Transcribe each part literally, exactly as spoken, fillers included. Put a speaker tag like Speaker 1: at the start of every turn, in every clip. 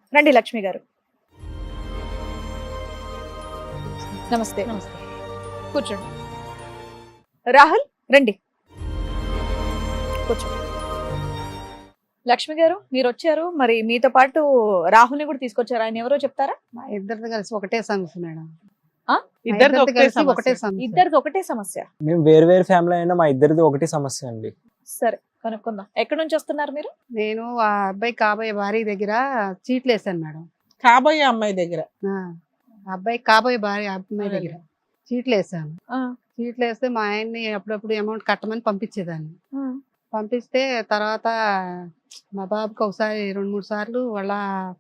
Speaker 1: రండి లక్ష్మి గారు. నమస్తే.
Speaker 2: నమస్తే.
Speaker 1: కూర్చోండి. రాహుల్ రండి, కూర్చోండి. లక్ష్మి గారు మీరు వచ్చారు, మరి మీతో పాటు రాహుల్ని కూడా తీసుకొచ్చారు. ఆయన ఎవరో చెప్తారా?
Speaker 2: మా ఇద్దరిది కలిసి ఒకటే సమస్య మేడం.
Speaker 1: ఆ?
Speaker 2: మా
Speaker 3: ఇద్దరిది
Speaker 2: ఇద్దరిది
Speaker 3: ఒకటే
Speaker 2: కలిసి
Speaker 3: సమస్య.
Speaker 2: ఒకటే సమస్య.
Speaker 1: ఇద్దరిది ఒకటే సమస్య.
Speaker 4: మేము వేరు వేరు ఫ్యామిలీ అయినా మా ఇద్దరిది ఒకటి సమస్య అండి.
Speaker 1: సరే కనుక్కుందాం. ఎక్కడి నుంచి వస్తున్నారు మీరు?
Speaker 2: నేను ఆ అబ్బాయి కాబోయే భార్య దగ్గర చీట్లు వేసాను మేడం.
Speaker 3: కాబోయే అమ్మాయి దగ్గర
Speaker 2: ఆ, ఆ అబ్బాయి కాబోయే భార్య అమ్మాయి దగ్గర చీట్లు వేసాను.
Speaker 1: ఆ,
Speaker 2: చీట్లు వేస్తే మా ఆయన్ని అప్పుడప్పుడు అమౌంట్ కట్టమని పంపించేదాన్ని.
Speaker 1: ఆ,
Speaker 2: పంపిస్తే తర్వాత మా బాబుకి ఒకసారి రెండు మూడు సార్లు వాళ్ళ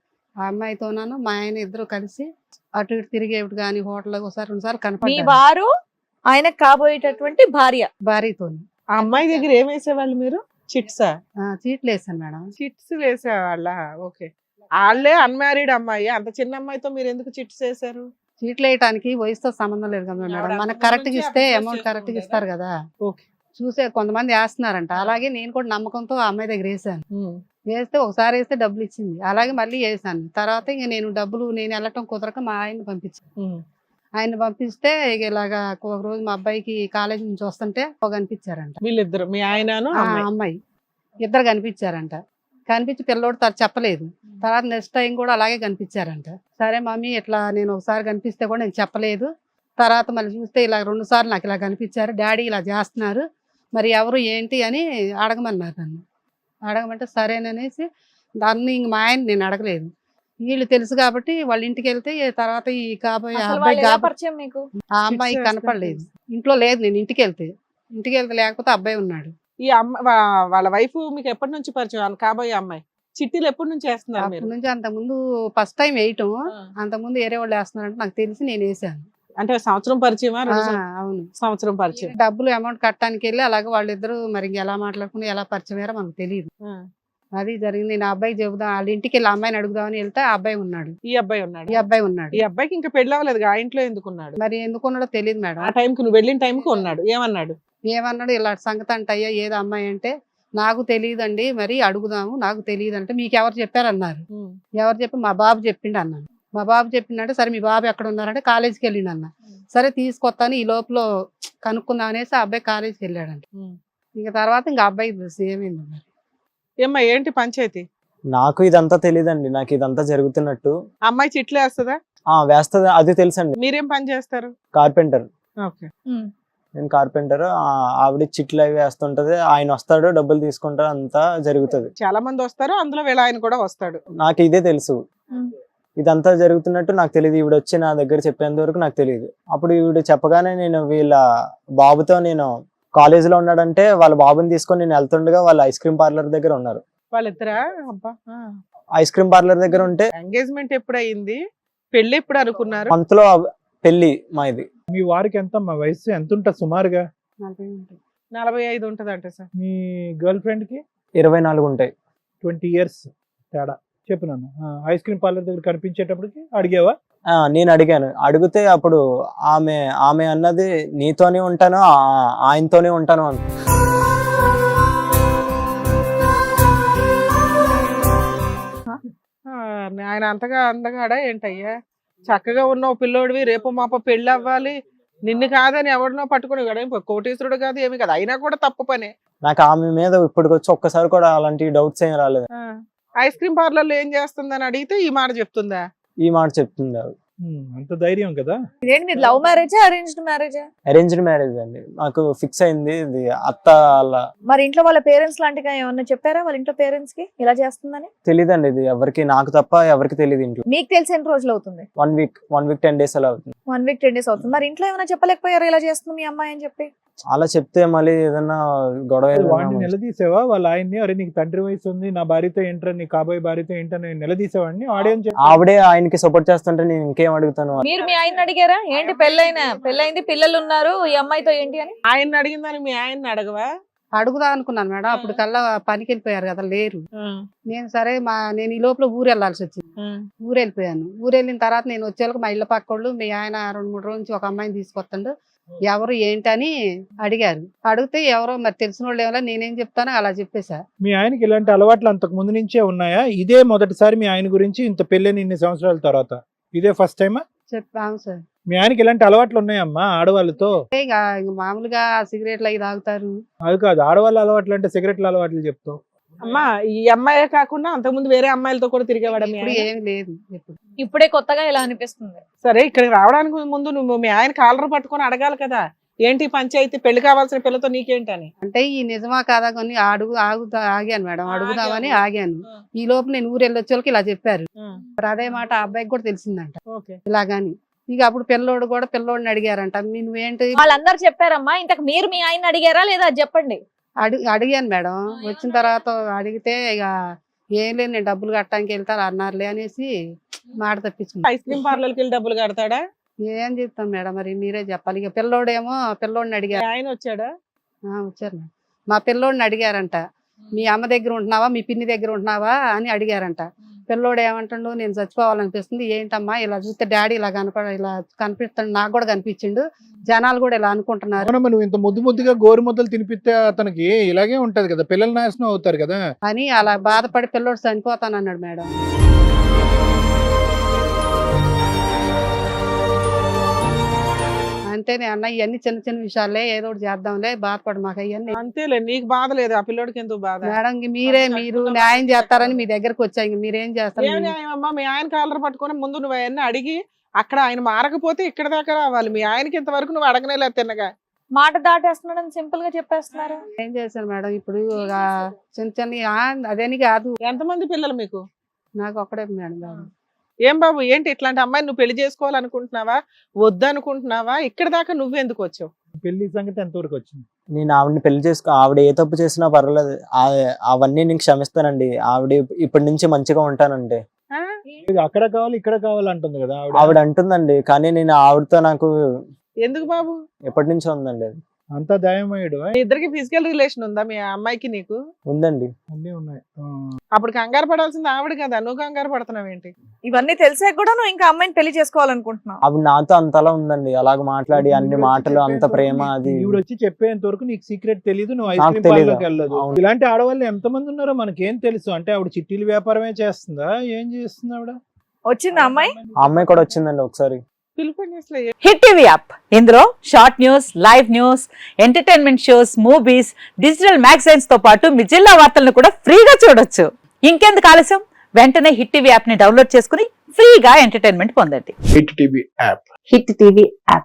Speaker 2: ఆ అమ్మాయితోనాను మా ఆయన ఇద్దరు కలిసి అటు ఇటు తిరిగేవి కానీ హోటల్ ఒకసారి రెండు సార్లు
Speaker 1: మీ
Speaker 2: కనపడ్డారు
Speaker 1: వారు ఆయన కాబోయేటటువంటి భార్య.
Speaker 2: భార్యతో.
Speaker 3: ఆ అమ్మాయి దగ్గర ఏం వేసేవాళ్ళు మీరు? చిట్సా?
Speaker 2: చీట్లు వేసాను మేడం.
Speaker 3: చిట్స్ వేసేవాళ్ళ? ఓకే. వాళ్ళే అన్మ్యారీడ్ అమ్మాయి, అంత చిన్న అమ్మాయితో మీరు ఎందుకు చిట్స్ వేసారు?
Speaker 2: చీట్లు వేయటానికి వయసుతో సంబంధం లేదు కదా మేడం.
Speaker 3: ఆవిడ
Speaker 2: మనకు
Speaker 3: అంతకు
Speaker 2: కరెక్ట్ గా
Speaker 3: ముందు
Speaker 2: ఇస్తే
Speaker 3: అప్రోచ్
Speaker 2: అమౌంట్ కరెక్ట్ గా
Speaker 3: చేసుకుంటేదా?
Speaker 2: ఇస్తారు కదా.
Speaker 3: ఓకే.
Speaker 2: చూసే కొంతమంది వేస్తున్నారంట. అలాగే నేను కూడా నమ్మకంతో ఆ అమ్మాయి దగ్గర వేసాను.
Speaker 3: ఉమ్.
Speaker 2: వేస్తే ఒకసారి వేస్తే డబ్బులు ఇచ్చింది. అలాగే మళ్ళీ వేసాను. తర్వాత ఇంక నేను డబ్బులు నేను వెళ్ళటం కుదరక మా ఆయన్ని పంపించాను.
Speaker 3: ఉమ్.
Speaker 2: ఆయన పంపిస్తే ఇక ఇలాగా ఒక రోజు మా అబ్బాయికి కాలేజీ నుంచి వస్తుంటే ఒక కనిపించారంట.
Speaker 3: వీళ్ళిద్దరు మీ ఆయనను
Speaker 2: ఆ
Speaker 3: అమ్మాయి.
Speaker 2: అమ్మాయి ఇద్దరు కనిపించారంట. కనిపించి పిల్లోడు తను చెప్పలేదు. తర్వాత నెక్స్ట్ టైం కూడా అలాగే కనిపించారంట. సరే మమ్మీ ఇట్లా నేను ఒకసారి కనిపిస్తే కూడా నేను చెప్పలేదు. తర్వాత మళ్ళీ చూస్తే ఇలా రెండు సార్లు నాకు ఇలా కనిపించారు, డాడీ ఇలా చేస్తున్నారు, మరి ఎవరు ఏంటి అని అడగమన్నారు నన్ను. అడగమంటే సరేననేసి దాన్ని ఇంక మా ఆయన నేను అడగలేదు. వీళ్ళు తెలుసు కాబట్టి వాళ్ళ ఇంటికి వెళ్తే తర్వాత ఈ కాబోయే
Speaker 1: అసలు
Speaker 2: అబ్బాయి
Speaker 1: వాళ్ళు ఎలా
Speaker 2: కాబ-
Speaker 1: పరిచయం మీకు?
Speaker 2: ఆ అమ్మాయి
Speaker 3: Chips
Speaker 2: కనపడలేదు. ఇంట్లో లేదు. నేను ఇంటికి వెళ్తే ఇంటికి వెళ్తే లేకపోతే అబ్బాయి ఉన్నాడు.
Speaker 3: ఈ అమ్మ వా- వాళ్ళ వైఫ్ మీకు ఎప్పటి నుంచి పరిచయం? వాళ్ళ కాబోయే అమ్మాయి చిట్టీలు ఎప్పటి నుంచి వేస్తున్నారు మీరు?
Speaker 2: అప్పటి నుంచి అంత ముందు ఫస్ట్ టైం వేయటం,
Speaker 3: ఆ.
Speaker 2: అంత ముందు వేరే వాళ్ళు వేస్తున్నారంటే నాకు తెలిసి నేను వేసాను.
Speaker 3: అంటే సంవత్సరం పరిచయమా?
Speaker 2: ఆ,
Speaker 3: రెండు సం-
Speaker 2: అవును.
Speaker 3: సంవత్సరం పరిచయం.
Speaker 2: డబ్బులు అమౌంట్ కట్టడానికి వెళ్ళి అలాగే వాళ్ళిద్దరు మరి ఇంక ఎలా మాట్లాడుకుని ఎలా పరిచయం అయ్యారో మనకు తెలియదు.
Speaker 3: ఆ.
Speaker 2: అది జరిగింది. నేను ఆ అబ్బాయి చెబుదాం వాళ్ళ ఇంటికి వెళ్ళి ఆ అమ్మాయిని అడుగుదామని వెళ్తే ఆ అబ్బాయి ఉన్నాడు.
Speaker 3: ఈ అబ్బాయి ఉన్నాడు.
Speaker 2: ఈ అబ్బాయి ఉన్నాడు.
Speaker 3: ఈ అబ్బాయికి ఇంకా పెళ్లి అవ్వలేదు, ఆ ఇంట్లో ఎందుకున్నాడు?
Speaker 2: మరి ఎందుకున్నాడో తెలియదు మేడం.
Speaker 3: ఆ టైంకి నువ్వు వెళ్ళిన టైంకి ఉన్నాడు. ఏమన్నాడు?
Speaker 2: ఏమన్నాడు, ఇలా సంగతి అంటయ్యా ఏదో అమ్మాయి అంటే నాకు తెలియదండి మరి అడుగుదాము, నాకు తెలియదు అంటే మీకు ఎవరు చెప్పారన్నారు.
Speaker 3: ఉమ్.
Speaker 2: ఎవరు చెప్పి మా బాబు చెప్పిండు అన్నాను. మా బాబు చెప్పిండంటే సరే మీ బాబు ఎక్కడ ఉన్నారంటే కాలేజీకి వెళ్ళిండు అన్న. సరే తీసుకొస్తాను ఈ లోపల కనుక్కుందాం అనేసి ఆ అబ్బాయి కాలేజీకి వెళ్ళాడంట.
Speaker 3: ఉమ్.
Speaker 2: ఇంకా తర్వాత ఇంకా అబ్బాయి ఏమైంది మరి.
Speaker 3: ఏమ్మా ఏంటి పంచాయతీ?
Speaker 4: నాకు ఇదంతా తెలియదండి. నాకు ఇదంతా జరుగుతున్నట్టు
Speaker 3: అమ్మాయి చిట్లు వేస్తుందా?
Speaker 4: ఆ వేస్తుంది, అది తెలుసండి.
Speaker 3: మీరేం పని చేస్తారు?
Speaker 4: కార్పెంటర్.
Speaker 3: ఓకే.
Speaker 1: ఉమ్.
Speaker 4: నేను కార్పెంటర్. ఆవిడ చిట్లు అవి వేస్తుంటది, ఆయన వస్తాడు డబ్బులు తీసుకుంటాడు, అంతా జరుగుతుంది.
Speaker 3: చాలా మంది వస్తారు, అందులో వీళ్ళ ఆయన కూడా వస్తాడు.
Speaker 4: నాకు ఇదే తెలుసు.
Speaker 1: ఉమ్.
Speaker 4: ఇదంతా జరుగుతున్నట్టు నాకు తెలియదు. ఈవిడ వచ్చి నా దగ్గర చెప్పేంత వరకు నాకు తెలియదు. అప్పుడు ఈవిడ చెప్పగానే నేను వీళ్ళ బాబుతో, నేను కాలేజీలో ఉన్నాడంటే వాళ్ళ బాబుని తీసుకొని నేను వెళ్తుండగా వాళ్ళ ఐస్ క్రీమ్ పార్లర్ దగ్గర ఉన్నారు.
Speaker 3: వాళ్ళిద్దరా? అబ్బా.
Speaker 4: ఐస్ క్రీమ్ పార్లర్ దగ్గర ఉంటే
Speaker 3: ఎంగేజ్మెంట్ ఎప్పుడు అయింది? పెళ్లి ఎప్పుడు అనుకున్నారు?
Speaker 4: మంత్ లో పెళ్లి మా ఇది.
Speaker 5: మీ వారికి ఎంత మా వయసు ఎంత ఉంటుంది సుమారుగా?
Speaker 2: నలభై ఉంటుంది.
Speaker 3: నలభై ఐదు ఉంటది అంటే సార్.
Speaker 5: మీ గర్ల్ ఫ్రెండ్ కి
Speaker 4: ఇరవై నాలుగు ఉంటాయి.
Speaker 5: ట్వంటీ ఇయర్స్ తేడా. చెప్పు నాన్న. ఐస్ క్రీమ్ పార్లర్ దగ్గర కనిపించేటప్పటికి అడిగావా?
Speaker 4: ఆ నేను అడిగాను. అడిగితే అప్పుడు ఆమె ఆమె అన్నది నీతోనే ఉంటాను, ఆ- ఆయనతోనే ఉంటాను అని.
Speaker 3: ఆ, ఆయన అంతగా అందగాడా ఏంటయ్యా? చక్కగా ఉన్న ఓ పిల్లోడివి, రేపు మాప పెళ్లి అవ్వాలి, నిన్ను కాదని ఎవరినో పట్టుకుని కదా, కోటీశ్వరుడు కాదు ఏమి కాదు, అయినా కూడా తప్పు పనే.
Speaker 4: నాకు ఆమె మీద ఇప్పటికొచ్చి ఒక్కసారి కూడా అలాంటి డౌట్స్ ఏం రాలేదు.
Speaker 3: ఆ, ఐస్ క్రీమ్ పార్లర్ లో ఏం చేస్తుందని అడిగితే ఈ మాట చెప్తుందా?
Speaker 4: ఈ మాట చెప్తుంది ఆవిడ.
Speaker 5: ఉమ్, అంత ధైర్యం కదా.
Speaker 1: ఇదేంటి మీరు లవ్ మ్యారేజా అరేంజ్డ్ మ్యారేజా?
Speaker 4: అరేంజ్డ్ మ్యారేజ్ అండి. నాకు ఫిక్స్ అయింది ఇది. అత్త వాళ్ళ
Speaker 1: మరి ఇంట్లో వాళ్ళ పేరెంట్స్ లాంటిగా ఏమన్నా చెప్పారా వాళ్ళ ఇంట్లో పేరెంట్స్ కి ఇలా చేస్తుందని?
Speaker 4: తెలీదండి. ఇది ఎవరికి, నాకు తప్ప ఎవరికి తెలియదు ఇంట్లో.
Speaker 1: మీకు తెలిసి ఎన్ని రోజులు అవుతుంది?
Speaker 4: One week one week ten days అలా అవుతుంది.
Speaker 1: వన్ వీక్ టెన్ డేస్ అవుతుంది. మరి ఇంట్లో ఏమైనా చెప్పలేకపోయారు ఇలా చేస్తుంది మీ అమ్మాయి అని చెప్పి?
Speaker 4: అలా చెప్తే మళ్ళీ ఏదన్నా గొడవ
Speaker 5: అది
Speaker 4: ఏదైనా
Speaker 5: వాడిని
Speaker 4: మంచి-
Speaker 5: నిలదీసావా వాళ్ళ ఆయన్ని? అరే నీకు తండ్రి వయసు ఉంది, నా భార్యతో ఏంట్రా, నీ కాబోయే భార్యతో ఏంటని నిలదీసేవాడిని? ఆడేం చెప్పి
Speaker 4: ఆవిడే ఆయనకి సపోర్ట్ చేస్తుంటే నేను ఇంకేం అడుగుతాను.
Speaker 1: మీరు మీ ఆయన అడిగారా ఏంటి పెళ్ళైన పెళ్ళైంది పిల్లలు ఉన్నారు ఈ అమ్మాయితో ఏంటి అని?
Speaker 3: ఆయన అడిగిందని మీ ఆయన్ని అడగవా?
Speaker 2: అడుగుదా అనుకున్నాను మేడం. అప్పుడు కల్లా పనికి వెళ్ళిపోయారు కదా, లేరు.
Speaker 3: ఆ,
Speaker 2: నేను సరే మా నేను ఈ లోపల ఊరు వెళ్ళాల్సి వచ్చింది.
Speaker 3: ఆ,
Speaker 2: ఊరు వెళ్ళిపోయాను. ఊరు వెళ్ళిన తర్వాత నేను వచ్చేళ్ళకి మా ఇళ్ళ పక్క వాళ్ళు మీ ఆయన రెండు మూడు రోజుల నుంచి ఒక అమ్మాయిని తీసుకొస్తాడు, ఎవరు ఏంటని అడిగారు. అడిగితే ఎవరో మరి తెలిసిన వాళ్ళు ఏమో నేనేం చెప్తానో అలా చెప్పేశా.
Speaker 5: మీ ఆయనకి ఇలాంటి అలవాట్లు అంతకు ముందు నుంచే ఉన్నాయా? ఇదే మొదటిసారి మీ ఆయన గురించి ఇంత పెళ్ళని ఇన్ని సంవత్సరాల తర్వాత ఇదే ఫస్ట్ టైమా?
Speaker 2: చెప్పాము సార్.
Speaker 5: మీ ఆయనకి ఇలాంటి అలవాట్లు ఉన్నాయమ్మా ఆడవాళ్ళతో?
Speaker 2: ఇక ఇక మామూలుగా సిగరెట్లు అవి తాగుతారు.
Speaker 5: అది కాదు, ఆడవాళ్ళ అలవాట్లు అంటే సిగరెట్ల అలవాట్లు చెప్తావు.
Speaker 3: అమ్మా ఈ అమ్మాయే కాకుండా అంతకుముందు వేరే అమ్మాయిలతో కూడా తిరిగేవాడు మీ
Speaker 2: ఇప్పుడు
Speaker 3: ఆయన?
Speaker 2: ఏమి లేదు. ఇప్పుడు
Speaker 1: ఇప్పుడే కొత్తగా ఇలా అనిపిస్తుంది.
Speaker 3: సరే ఇక్కడికి రావడానికి ముందు నువ్వు మీ ఆయన కాలర్ పట్టుకొని అడగాలి కదా, ఏంటి పంచాయతీ, పెళ్లి కావాల్సిన పిల్లతో నీకేంటని.
Speaker 2: అంటే ఈ నిజమా కాదా కొన్ని అడుగు ఆగుతా ఆగాను మేడం, అడుగుదామని ఆగాను. ఈ లోపు నేను ఊరు వెళ్ళొచ్చే వాళ్ళకి ఇలా చెప్పారు. మరి అదే మాట ఆ అబ్బాయికి కూడా తెలిసిందంట
Speaker 3: ఓకే.
Speaker 2: ఇలాగాని. ఇక అప్పుడు పిల్లోడు కూడా పిల్లోడిని అడిగారంట, మీ నువ్వేంటి
Speaker 1: వాళ్ళందరూ చెప్పారమ్మా. ఇంతకు మీరు మీ ఆయన అడిగారా లేదా అది చెప్పండి.
Speaker 2: అడిగి అడిగాను మేడం. వచ్చిన తర్వాత అడిగితే ఇక ఏం లేదు నేను డబ్బులు కట్టడానికి వెళ్తాను అన్నారులే అనేసి మాట తప్పించుకున్నాను.
Speaker 3: ఐస్ క్రీమ్ పార్లర్కి వెళ్ళి డబ్బులు కడతాడా?
Speaker 2: ఏం చెప్తాం మేడం మరి మీరే చెప్పాలి. ఇక పిల్లోడేమో పిల్లోడిని అడిగారు.
Speaker 3: ఆయన వచ్చాడా?
Speaker 2: ఆ, వచ్చారు మేడం. మా పిల్లోడిని అడిగారంట, మీ అమ్మ దగ్గర ఉంటున్నావా మీ పిన్ని దగ్గర ఉంటున్నావా అని అడిగారంట. పిల్లోడు ఏమంటుండు, నేను చచ్చిపోవాలనిపిస్తుంది. ఏంటమ్మా ఇలా చూస్తే డాడీ ఇలా కనపడ ఇలా కనిపిస్తాడు, నాకు కూడా కనిపించిండు, జనాలు కూడా ఇలా అనుకుంటున్నారు
Speaker 5: అవునమ్మా, నువ్వు ఇంత ముద్దు ముద్దుగా గోరు ముద్దలు తినిపిస్తే అతనికి ఇలాగే ఉంటది కదా, పిల్లలు నాశనం అవుతారు కదా
Speaker 2: అని అలా బాధపడి పిల్లోడు చనిపోతానన్నాడు మేడం. అంటేనే అన్న ఇవన్నీ చిన్న చిన్న విషయాలే, ఏదో ఒకటి చేద్దాంలే, బాధపడు మాకు అవన్నీ.
Speaker 3: అంతేలే, నీకు బాధ లేదు, ఆ పిల్లోడికి ఎందుకు బాధ?
Speaker 2: మేడం ఇంక మీరే మీరు న్యాయం చేస్తారని మీ దగ్గరకు వచ్చా, ఇంక మీరేం చేస్తారు?
Speaker 3: ఏం న్యాయం అమ్మా? మీ ఆయన కాలర్ పట్టుకొని ముందు నువ్వు అవన్నీ అడిగి అక్కడ ఆయన మారకపోతే ఇక్కడ దాకా రావాలి. మీ ఆయనకి ఇంతవరకు నువ్వు అడగనేలేదు తిన్నగా.
Speaker 1: మాట దాటేస్తున్నాడని సింపుల్ గా చెప్పేస్తున్నారు.
Speaker 2: ఏం చేశాను మేడం ఇప్పుడు ఒక చిన్న చిన్న ఆ, అదేని కాదు,
Speaker 3: ఎంతమంది పిల్లలు మీకు?
Speaker 2: నాకు ఒక్కడే మేడం బాబు.
Speaker 3: ఏం బాబు ఏంటి ఇట్లాంటి అమ్మాయిని నువ్వు పెళ్లి చేసుకోవాలనుకుంటున్నావా, వద్దనుకుంటున్నావా? ఇక్కడ దాకా నువ్వెందుకు వచ్చావు?
Speaker 5: పెళ్లి సంగతి ఎంతవరకు వచ్చింది?
Speaker 4: నేను ఆవిడని పెళ్లి చేసుకో, ఆవిడ ఏ తప్పు చేసినా పర్వాలేదు, ఆ- అవన్నీ నేను క్షమిస్తానండి. ఆవిడ ఇప్పటి నుంచి మంచిగా ఉంటానండి.
Speaker 3: ఆ?
Speaker 5: ఇది అక్కడ కావాలి ఇక్కడ కావాలి అంటుంది కదా ఆవిడ.
Speaker 4: ఆవిడ అంటుందండి, కానీ నేను ఆవిడతో నాకు
Speaker 3: ఎందుకు బాబు?
Speaker 4: ఎప్పటి నుంచో ఉందండి అది.
Speaker 5: అంతా దయమయ్యాడు
Speaker 3: మీ ఇద్దరికి ఫిజికల్ రిలేషన్ ఉందా మీ అమ్మాయికి నీకు?
Speaker 4: ఉందండి.
Speaker 5: అన్నీ ఉన్నాయి. ఆ.
Speaker 3: అప్పుడు కంగారు పడాల్సింది ఆవిడ కదా, నువ్వు కంగారు పడుతున్నావు ఏంటి?
Speaker 1: ఇవన్నీ తెలిసాక కూడా నువ్వు ఇంకా అమ్మాయిని పెళ్లి చేసుకోవాలనుకుంటున్నావు.
Speaker 4: ఆవిడ నాతో అంతలా ఉందండి, అలాగ మాట్లాడి అన్ని
Speaker 5: ఈవిడ వచ్చి
Speaker 4: మాటలు అంత
Speaker 5: చెప్పేంత
Speaker 4: ప్రేమ
Speaker 5: వరకు-
Speaker 4: అది.
Speaker 5: ఈవిడ వచ్చి చెప్పేంత వరకు నీకు సీక్రెట్ తెలియదు, నువ్వు ఐస్
Speaker 4: నాకు
Speaker 5: క్రీమ్
Speaker 4: తెలీదు.
Speaker 5: పార్లర్కి వెళ్ళదు.
Speaker 4: అవును.
Speaker 5: ఇలాంటి ఆడవాళ్ళు ఎంతమంది ఉన్నారో మనకేం తెలుసు? అంటే ఆవిడ చిట్టీల వ్యాపారమే చేస్తుందా, ఏం చేస్తుంది ఆవిడ?
Speaker 1: వచ్చిందా అమ్మాయి?
Speaker 4: ఆ అమ్మాయి కూడా వచ్చిందండి ఒకసారి.
Speaker 3: పిలుపుని అసలు ఏ-
Speaker 6: హిట్ టీవీ యాప్ ఇందులో short news, live news, entertainment shows, movies, digital magazines తో పాటు మీ జిల్లా వార్తలను కూడా ఫ్రీగా చూడొచ్చు. ఇంకెందుకు ఆలస్యం, వెంటనే హిట్ టీవీ యాప్ ని డౌన్లోడ్ చేసుకుని ఫ్రీగా ఎంటర్టైన్మెంట్ పొందండి.
Speaker 7: Hit TV app
Speaker 6: hit TV app.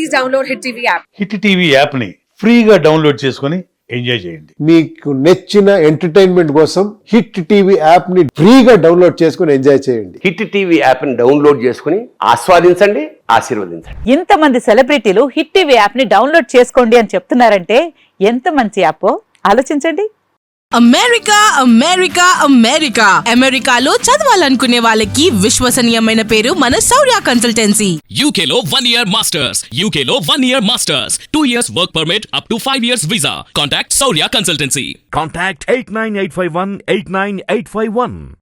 Speaker 8: Hit TV యాప్ని ఫ్రీగా డౌన్లోడ్ చేసుకొని ఎంజాయ్ చేయండి.
Speaker 7: మీకు నచ్చిన ఎంటర్టైన్మెంట్ కోసం హిట్ టీవీ యాప్ ని ఫ్రీగా డౌన్లోడ్ చేసుకుని ఎంజాయ్ చేయండి.
Speaker 9: హిట్ టీవీ యాప్ని డౌన్లోడ్ చేసుకుని ఆస్వాదించండి, ఆశీర్వదించండి.
Speaker 6: ఇంతమంది సెలబ్రిటీలు హిట్ టీవీ యాప్ ని డౌన్లోడ్ చేసుకోండి అని చెప్తున్నారంటే ఎంత మంచి యాప్ ఆలోచించండి.
Speaker 10: అమెరికా అమెరికా అమెరికా అమెరికాలో చదవాలనుకునే వాళ్ళకి విశ్వసనీయమైన పేరు మన శౌర్య కన్సల్టెన్సీ.
Speaker 11: U K లో one year masters, U K లో one year masters, two years work permit up to five years visa. Contact Saurya Consultancy.
Speaker 12: Contact eight nine eight five one eight nine eight five one.